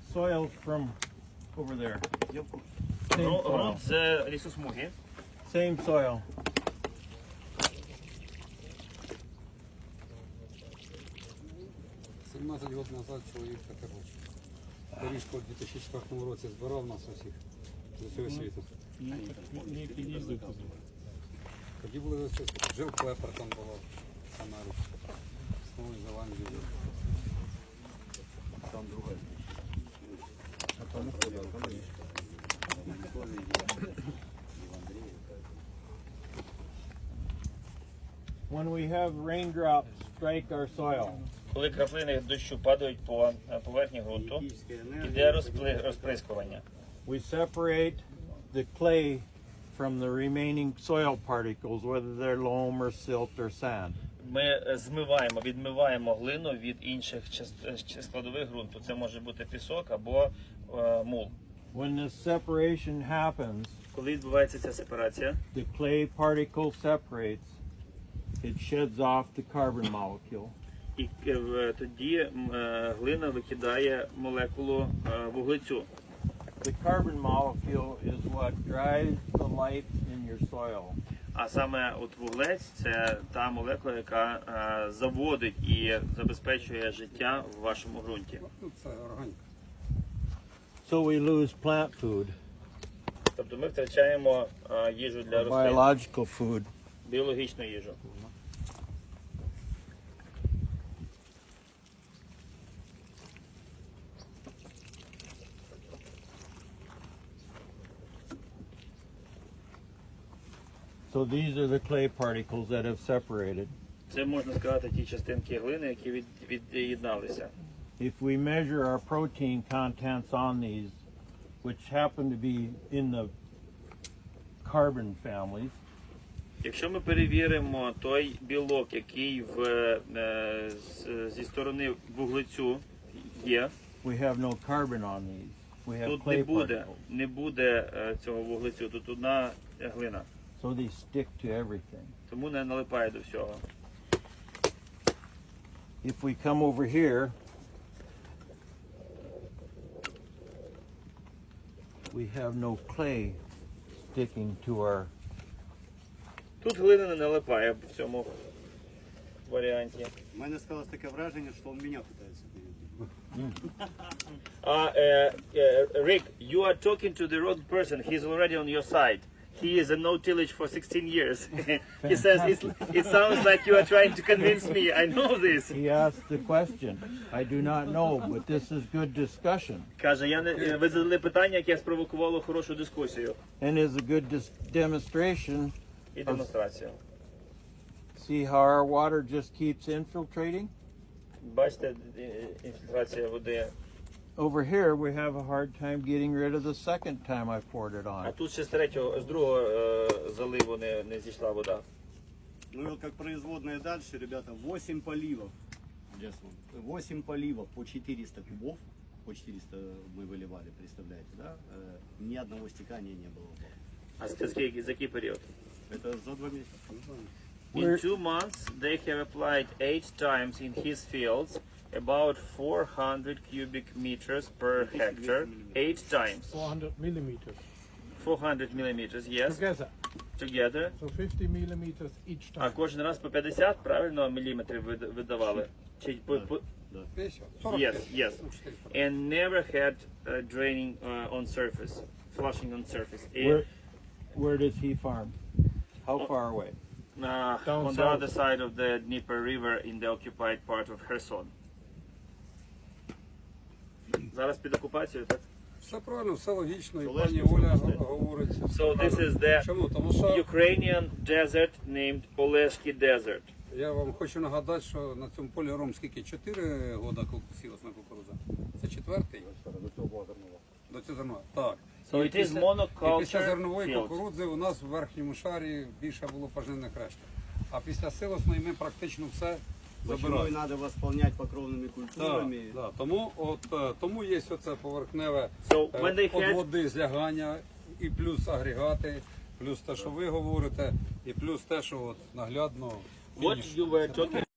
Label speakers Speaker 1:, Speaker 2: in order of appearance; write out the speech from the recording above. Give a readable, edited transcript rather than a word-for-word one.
Speaker 1: soil from over there. Same soil.
Speaker 2: Ґрунт з лісосмуги.
Speaker 1: Same soil.
Speaker 3: 17 років назад чоловік таке був. Доріжку у 2004 році збирав нас усіх з усього світу. Тоді були ось жив Клепер, там було в Америці. В Новій Зеландії. Там друга.
Speaker 1: When we have raindrops strike our soil,
Speaker 2: Коли краплини дощу падають по поверхні ґрунту, іде розприскування.
Speaker 1: we separate the clay from the remaining soil particles, whether they're loam or silt or sand.
Speaker 2: Ми відмиваємо глину від інших складових ґрунту. Це може бути пісок або мул.
Speaker 1: When this separation happens,
Speaker 2: Коли відбувається ця сепарація,
Speaker 1: the clay particle separates, it sheds off the carbon molecule.
Speaker 2: і тоді глина викидає молекулу вуглецю.
Speaker 1: The carbon molecule is what drives the life in your soil.
Speaker 2: А саме от вуглець – це та молекула, яка заводить і забезпечує життя в вашому ґрунті.
Speaker 3: Ну, це органіка.
Speaker 1: So we lose plant food,
Speaker 2: Тобто ми втрачаємо їжу для рослин,
Speaker 1: biological food.
Speaker 2: біологічну їжу.
Speaker 1: So these are the clay particles that have separated.
Speaker 2: Це, можна сказати, ті частинки глини, які від'єдналися.
Speaker 1: If we measure our protein contents on these, which happen to be in the carbon families,
Speaker 2: Якщо ми перевіримо той білок, який зі сторони вуглецю є,
Speaker 1: we have no carbon on these. We have
Speaker 2: тут
Speaker 1: clay particles.
Speaker 2: не буде цього вуглецю, тут одна глина.
Speaker 1: So they stick to everything.
Speaker 2: Тому не налипає до всього.
Speaker 1: If we come over here, we have no clay sticking to our.
Speaker 2: Тут глина не налипає в цьому варіанті.
Speaker 4: У мене склалось таке враження, що він мене питається перевірити.
Speaker 2: Rick, you are talking to the wrong person. He's already on your side. He is a no-tillage for 16 years. He says it sounds like you are trying to convince me. I know this.
Speaker 1: He asked the question. I do not know, but this is good discussion
Speaker 2: Каже, ви задали питання, яке спровокувало хорошу дискусію
Speaker 1: and is a good demonstration.
Speaker 2: і демонстрацію.
Speaker 1: See how our water just keeps infiltrating?
Speaker 2: Бачите, інфільтрація води.
Speaker 1: Over here, we have a hard time getting rid of the second time I poured it
Speaker 2: А
Speaker 1: on.
Speaker 2: тут ще з другого заливу не зійшла вода.
Speaker 4: Ну и вот как производная дальше, ребята, 8 поливов. 8 поливов по 400 кубов. По 400 мы выливали, представляете, да? Ни одного стекания не было.
Speaker 2: А за який період?
Speaker 4: Это за 2 месяца.
Speaker 2: In 2 months, they have applied 8 times in his fields, about 400 cubic meters per hectare. 8 times.
Speaker 5: 400 millimeters
Speaker 2: 400 millimeters, yes,
Speaker 5: together.
Speaker 2: together.
Speaker 5: So 50 millimeters each
Speaker 2: А
Speaker 5: time.
Speaker 2: кожен раз по 50, правильно, міліметрів видавали? Чи Yes, yes. And never had draining on surface, flushing on surface.
Speaker 1: Where does he farm? How far away?
Speaker 2: On the other side of the Dnieper River in the occupied part of Kherson. Зараз під окупацією, так?
Speaker 3: Все правильно, все логічно, і
Speaker 4: Олешки
Speaker 3: пані Оля
Speaker 4: особисто.
Speaker 3: говорить.
Speaker 2: So this is the
Speaker 3: Чому? Тому що
Speaker 2: Ukrainian desert named Oleshki Desert.
Speaker 3: я вам хочу нагадати, що на цьому полі ром скільки? 4 года сілась на кукурудза. Це четвертий? До цього зернова. До цього зернова, так.
Speaker 2: So
Speaker 3: І
Speaker 2: it is
Speaker 3: після
Speaker 2: monoculture
Speaker 3: зернової
Speaker 2: fields.
Speaker 3: кукурудзи у нас в верхньому шарі більше було пожнивних решток. А після силосної ми практично все
Speaker 4: Почему
Speaker 3: забирали.
Speaker 4: и надо восполнять покровными
Speaker 3: Так,
Speaker 4: культурами.
Speaker 3: так. Тому є оце поверхневе
Speaker 2: So when they
Speaker 3: від
Speaker 2: had
Speaker 3: води злягання, і плюс агрегати, плюс те, що ви говорите, і плюс те, що от наглядно
Speaker 2: what you were talking